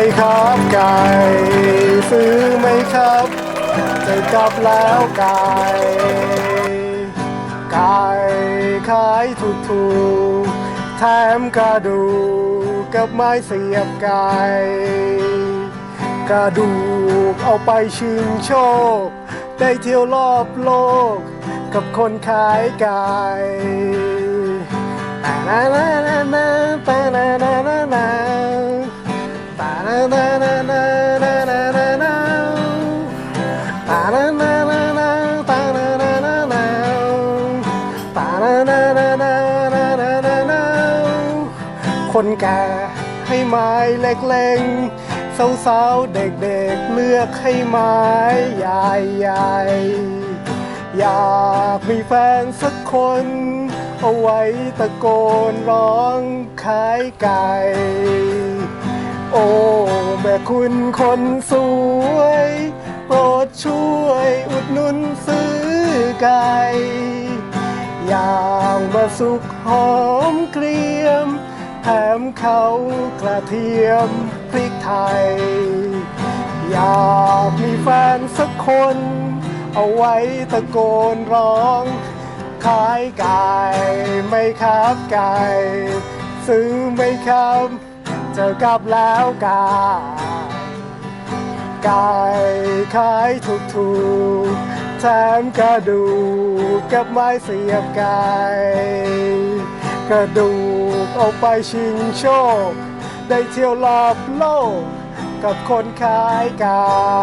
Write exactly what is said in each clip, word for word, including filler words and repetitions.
ครับไก่ซื้อไหมครับจะกลับแล้วไก่ไก่ขายถูกถูกแถมกระดูกกับไม้เสียบไก่กระดูกเอาไปชิงโชคได้เที่ยวรอบโลกกับคนขายไก่ตานานานาตานานานานาตานานานานานานานานาตานานานานาตานานานานาตานานานานานานานานาคนแก่ให้ไม้เล็กๆสาวๆเด็กๆเลือกให้ไม้ใหญ่ๆอยากมีแฟนสักคนเอาไว้ตะโกนร้องขายไก่โอ้แม่คุณคนสวยโปรดช่วยอุดหนุนซื้อไก่อย่างมาสุกหอมเกรียมแถมเขากระเทียมพริกไทยอยากมีแฟนสักคนเอาไว้ตะโกนร้องขายไก่ไหมครับไก่ซื้อไหมครับเจอกลับแล้วไก่ไก่ขายถูกถูกแถมกระดูกกับไม้เสียบไก่กระดูกเอาไปชิงโชคได้เที่ยวรอบโลกกับคนขายไก่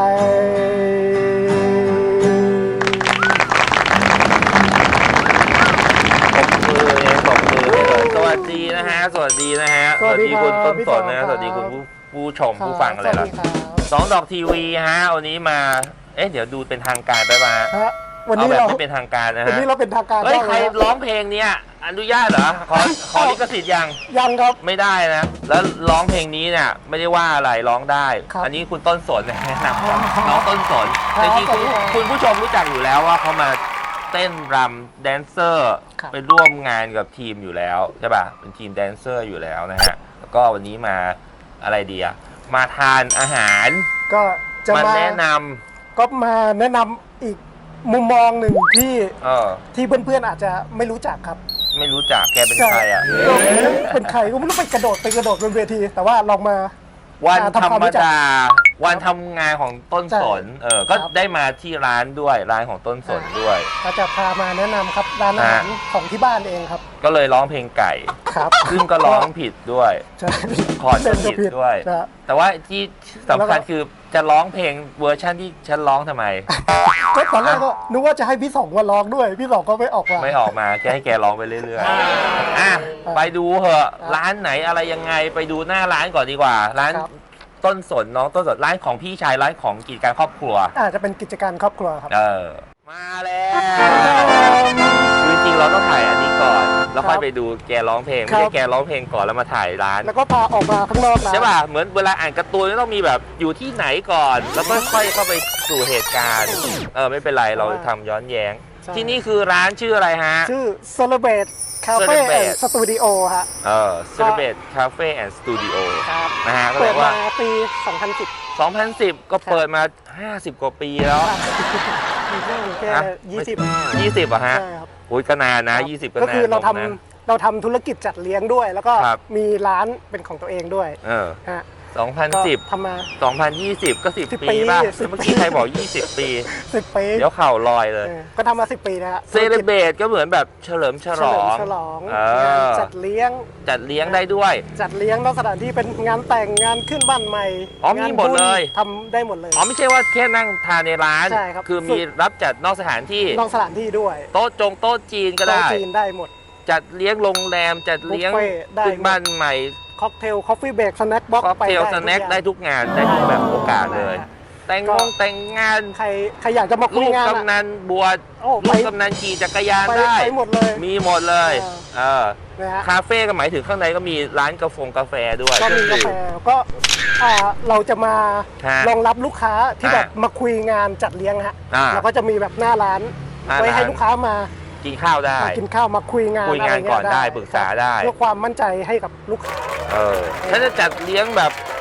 สวัสดีนะฮะสวัสดีนะฮะสวัสดีคุณต้นสนนะสวัสดีคุณผู้ชมผู้ฟังอะไรล่ะสองดอกทีวีฮะวันนี้มาเอ๊ะเดี๋ยวดูเป็นทางการไปมาวันนี้เราไม่เป็นทางการนะฮะวันนี้เราเป็นทางการเฮ้ยใครร้องเพลงเนี้ยอนุญาตเหรอขอขอลิขสิทธิ์ยังยังครับไม่ได้นะแล้วร้องเพลงนี้เนี่ยไม่ได้ว่าอะไรร้องได้อันนี้คุณต้นสนแนะนำน้องต้นสนแต่จริงคุณผู้ชมรู้จักอยู่แล้วว่าเขามาเต้นรำแดนเซอร์ไปร่วมงานกับทีมอยู่แล้วใช่ป่ะเป็นทีมแดนเซอร์อยู่แล้วนะฮะแล้วก็วันนี้มาอะไรดีอะมาทานอาหารก็จะมาแนะนำก็มาแนะนำอีกมุมมองหนึ่งที่ที่เพื่อนๆอาจจะไม่รู้จักครับไม่รู้จักแกเป็นใครอ่ะเป็นใครก็ไม่รู้ไปกระโดดไปกระโดดบนเวทีแต่ว่าลองมาวันธรรมดาวันทำงานของต้นสนเออก็ได้มาที่ร้านด้วยร้านของต้นสนด้วยก็จะพามาแนะนำครับร้านอาหารของที่บ้านเองครับก็เลยร้องเพลงไก่ครับซึ่งก็ร้องผิดด้วยคอร์ดก็ผิดด้วยแต่ว่าที่สำคัญคือจะร้องเพลงเวอร์ชันที่ฉันร้องทำไมก็ตอนแรกก็นึกว่าจะให้พี่สองมาร้องด้วยพี่สองก็ไม่ออกมาไม่ออกมาแค่ให้แกร้องไปเรื่อยๆอ่ะไปดูเหอะร้านไหนอะไรยังไงไปดูหน้าร้านก่อนดีกว่าร้านต้นสนน้องต้นสนร้านของพี่ชายร้านของกิจการครอบครัวอาจจะเป็นกิจการครอบครัวครับเออมาแล้วจริงๆเราต้องถ่ายอันนี้ก่อนแล้วค่อยไปดูแกร้องเพลงไม่ใช่แกร้องเพลงก่อนแล้วมาถ่ายร้านแล้วก็พาออกมาข้างนอกใช่ป่ะเหมือนเวลาอ่านการ์ตูนต้องมีแบบอยู่ที่ไหนก่อนแล้วก็ค่อยเข้าไปสู่เหตุการณ์เออไม่เป็นไรเราทำย้อนแย้งที่นี่คือร้านชื่ออะไรฮะชื่อ Celebrate Cafe and Studio ฮะเออ Celebrate Cafe and Studio นะฮะเปิดมาปีสองพันสิบสองพันสิบก็เปิดมาห้าสิบกว่าปีแล้วแค่ยี่สิบยี่สิบอ่ะฮะโอ้ยก็นานนะยี่สิบก็นานก็คือเราทำเราทำธุรกิจจัดเลี้ยงด้วยแล้วก็มีร้านเป็นของตัวเองด้วยเออสองพันสิบทำมาสองพันยี่สิบก็สิบปีป่ะเมื่อกี้ใครบอกยี่สิบปีสิบปีเดี๋ยวเข่าลอยเลยก็ทำมาสิบปีนะฮะเซเลเบรตก็เหมือนแบบเฉลิมฉลองฉลองจัดเลี้ยงจัดเลี้ยงได้ด้วยจัดเลี้ยงนอกสถานที่เป็นงานแต่งงานขึ้นบ้านใหม่อ๋อมีหมดเลยทำได้หมดเลยอ๋อไม่ใช่ว่าแค่นั่งทานในร้านใช่ครับคือมีรับจัดนอกสถานที่นอกสถานที่ด้วยโต๊ะจงโต๊ะจีนก็ได้โต๊ะจีนได้หมดจัดเลี้ยงโรงแรมจัดเลี้ยงขึ้นบ้านใหม่ค็อกเทลคอฟฟี่เบรกสแน็คบ็อกซ์ไปได้ค็อกเทลสแน็คได้ทุกงานได้ทุกแบบโอกาสเลยแต่งงงแต่งงานใครใครอยากจะมาคุยงานลูกกำนันบวชลูกกำนันขี่จักรยานได้หมดเลยมีหมดเลยเออคาเฟ่ก็หมายถึงข้างในก็มีร้านกาแฟกาแฟด้วยก็มีกาแฟก็เราจะมารองรับลูกค้าที่แบบมาคุยงานจัดเลี้ยงฮะเราก็จะมีแบบหน้าร้านไว้ให้ลูกค้ามากินข้าวได้กินข้าวมาคุยงานคุยงานก่อนได้ปรึกษาได้เพื่อความมั่นใจให้กับลูกค้าเออถ้าจะจัดเลี้ยงแบบ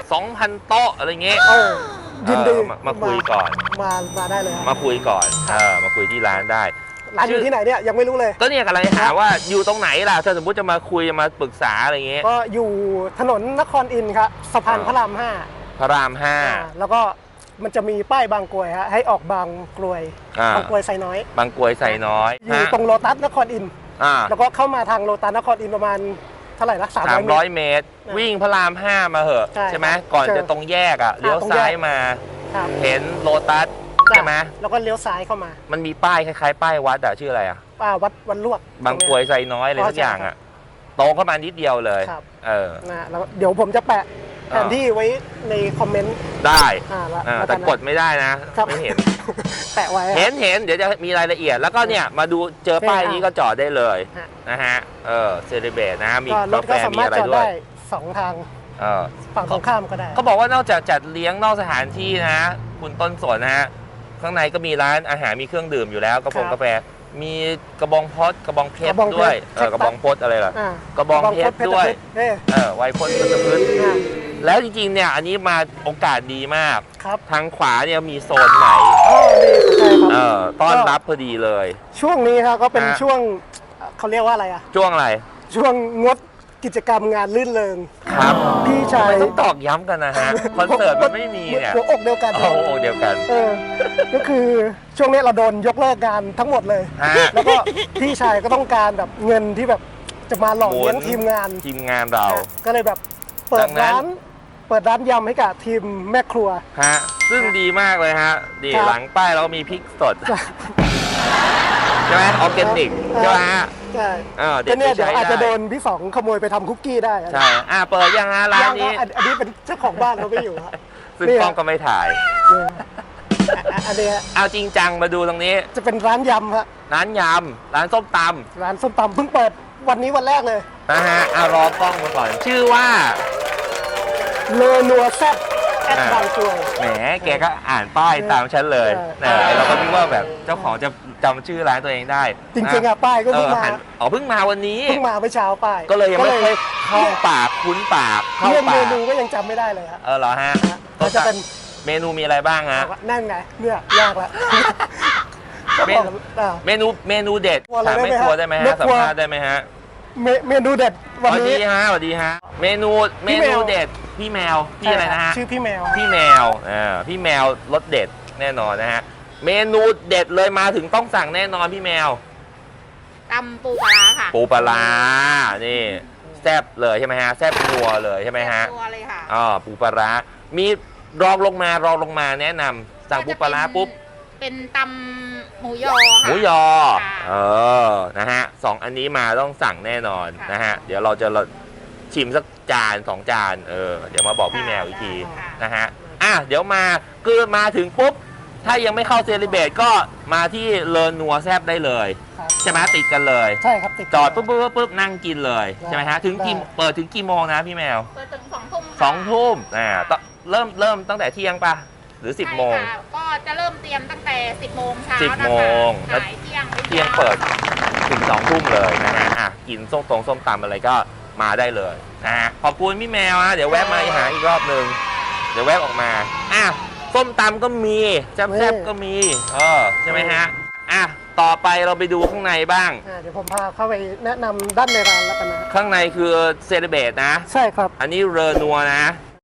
สองพันโต๊ะอะไรเงี้ยโอ้ยินดีเออมามาคุยก่อนมามาได้เลยครับมาคุยก่อนเออมาคุยที่ร้านได้ร้านอยู่ที่ไหนเนี่ยยังไม่รู้เลยก็เนี่ยกำลังจะถามว่าอยู่ตรงไหนล่ะถ้าสมมติจะมาคุยมาปรึกษาอะไรเงี้ยก็อยู่ถนนนครอินทร์ครับสะพานพระรามห้าพระรามห้าอ่าแล้วก็มันจะมีป้ายบางกรวยฮะให้ออกบางกรวยอ่าบางกรวยไซน้อยบางกรวยใส่น้อยอยู่ตรงโลตัสนครอินทร์อ่าแล้วก็เข้ามาทางโลตัสนครอินทร์ประมาณเท่าไหร่ละสามสามร้ร้ออย ยเมตรเมตร วิ่งพระรามห้ามาเหอะใช่ใช่ไหมก่อนเจอจะตรงแยกอ่ะเลี้ยวตรงแยกซ้ายมาครับเห็นโลตัสใช่ไหมแล้วก็เลี้ยวซ้ายเข้ามามันมีป้ายคล้ายๆป้ายวัดอ่ะชื่ออะไรอ่ะอ่าวัดวันลวกบางกรวยใส่น้อยอะไรอ๋อสักอย่างใช่ครัอ่ะบตรงเข้ามานิดเดียวเลยครับเออนะแล้วเดี๋ยวผมจะแปะแผนที่ไว้ในคอมเมนต์ได้อ่าแล้วอ่าแล้วแต่นนะกดไม่ได้นะครับไม่เห็นแปะไว้เห็นเห็นเดี๋ยวจะมีรายละเอียดแล้วก็เนี่ยมาดูเจอป้ายนี้ก็จอดได้เลยฮะนะฮะเออเซเลเบตนะมีก็รกาถแฟก็สามีมารถอะไรจอดด้วยได้สองทางเออฝั่งตรงข้ามก็ได้เขาบอกว่านอกจากจัดเลี้ยงนอกสถานที่นะ คุณต้นสนนะฮะข้างในก็มีร้านอาหารมีเครื่องดื่มอยู่แล้วกระพงครับกาแฟมีกระบองพดกระบองเพชกรระบองเพชรด้วยเออแคคตัสกระบองพดอะไรล่ะอ่ากระบองเพชรด้วยเอ้ยเออไวพจน์พันธพฤกษ์อ่าแล้วจริงๆเนี่ยอันนี้มาโอกาสดีมากครับทางขวาเนี่ยมีโซนใหม่อ๋อดีใช่คเอรับอต้อนรับพอดีเลยช่วงนี้ครับก็เป็นฮะช่วงเขาเรียกว่าอะไรอ่ะช่วงอะไรช่วงงดกิจกรรมงานลื่นเริงครับพี่ชายทำไมต้องตอกย้ำกันนะฮะคอนเสิร์ตมันไม่มีเนี่ยหัวอกเดียวกันโอ้โหเดียวกันเออก็คือช่วงนี้เราโดนยกเลิกงานทั้งหมดเลยฮะแล้วก็พี่ชายก็ต้องการแบบเงินที่แบบจะมาหล่อเลี้ยงหมุนทีมงานทีมงานเราก็เลยแบบเปิดัดงนั้นร้าน เปิดร้านยำให้กับทีมแม่ครัวฮะซึ่งดีมากเลยฮะดีครับหลังป้ายเรามีพริกสด ใช่ไหมออร์แกนิกใช่ไหมฮะใช่เออเด็ก็ดเนี่ยไปเดี๋ยวใช้อาจจะโดได้นพี่สองขโมยไปทำคุกกี้ได้ใช่อ่ะเปิดยังฮะร้านยังนี้ก็อันอันนี้เป็นเจ้าของบ้านเขาไม่อยู่ฮะซึ่งเนี่ยกล้องก็ไม่ถ่ายเนี่ยอ่ะอันนี้ฮะเอาจริงจังมาดูตรงนี้จะเป็นร้านยำฮะร้านยำร้านส้มตร้านส้มตำเพิ่งเปิดวันนี้วันแรกเลยำนะฮะเอารอกล้องมาก่อน ชื่อว่าเลอนัวแซ่บแอดอ่าบางกรวยแหมแกก็อ่านป้ายตามฉันเลยใช่นะเราก็นึกว่าแบบเจ้าของจะจำชื่อร้านตัวเองได้จริงๆอ่ะป้ายก็เอเพิ่งอมาหันอ๋อเพิ่งมาวันนี้เพิ่งมาเมื่อเช้าป้ายก็เลยยังไม่เคยเข้าปากคุ้นปากเข้าเรื่องปาเมกนูก็ยังจำไม่ได้เลยฮะเออเหรอฮะก็จะเป็นเมนูมีอะไรบ้างฮะนั่นไงเนี่ยยากละก็เมบอกนูอ่าเมนูเมนูเด็ดกลัวอะไรถามไม่ได้ไหมกลัวฮะได้ไหมไม่ฮะสักมลัวภาษณ์ได้ไหมฮะเมเมนูเด็ดสวันวัสนี้ดีฮะสวัสดีฮะเมนูเมพี่แมนูวเด็ดพี่แมวพี่อะไรนะฮะชื่อพี่แมวพี่แมวอ่าพี่แมวรสเด็ดแน่นอนนะฮะเมนูเด็ดเลยมาถึงต้องสั่งแน่นอนพี่แมวตำปูปลาร้าค่ะปูปลาร้านี่แซ่บเลยใช่ไหมฮะแซ่บนัวเลยใช่ไหมฮะตัวเลยค่ะอ๋อปูปลาร้ามีรองลงมารองลงมาแนะนำสั่งปูปลาร้าปุ๊บเป็นตำหมูยอหค่ะมูยอค่ะเออ นะฮะสองอันนี้มาต้องสั่งแน่นอนค่ะนะฮะ เดี๋ยวเราจะชิมสักจานสองจาน เออ เดี๋ยวมาบอกพี่แมวอีกทีค่ะนะฮะ อ่ะ เดี๋ยวมาคือมาถึงปุ๊บ ถ้ายังไม่เข้าเซเลเบตก็มาที่เลอนัวแซบได้เลยครับใช่ไหมติดกันเลยใช่ครับติดจอดปุ๊บปุ๊บปุ๊บปุ๊บนั่งกินเลยได้ใช่ไหมฮะ ถึงกี่ได้เปิดถึงกี่โมงนะพี่แมวเปิดถึงสองทุ่มค่ะสองทุ่มอ่าต้องเริ่มเริ่มตั้งแต่เที่ยงปะหรือสิบโมงใช่ค่ะก็จะเริ่มเตรียมตั้งแต่สิบโมงเช้าสิบนะคะโมงขายเที่ยงเที่ยงเปิดถึงสองทุ่มเลยนะฮะ อ่ะ กินส้มตรงส้มตำอะไรก็มาได้เลยนะฮะ ขอบคุณพี่แมวนะเดี๋ยวแวะมาหาอีกรอบหนึ่งเดี๋ยวแวะออกมา อ่ะ ส้มตำก็มีแซ่บๆก็มี เออ ใช่ไหมฮะ อ่ะ ต่อไปเราไปดูข้างในบ้างอ่าเดี๋ยวผมพาเข้าไปแนะนำด้านในร้านแล้วกันนะข้างในคือเซเลเบตนะใช่ครับอันนี้เรอนัวนะ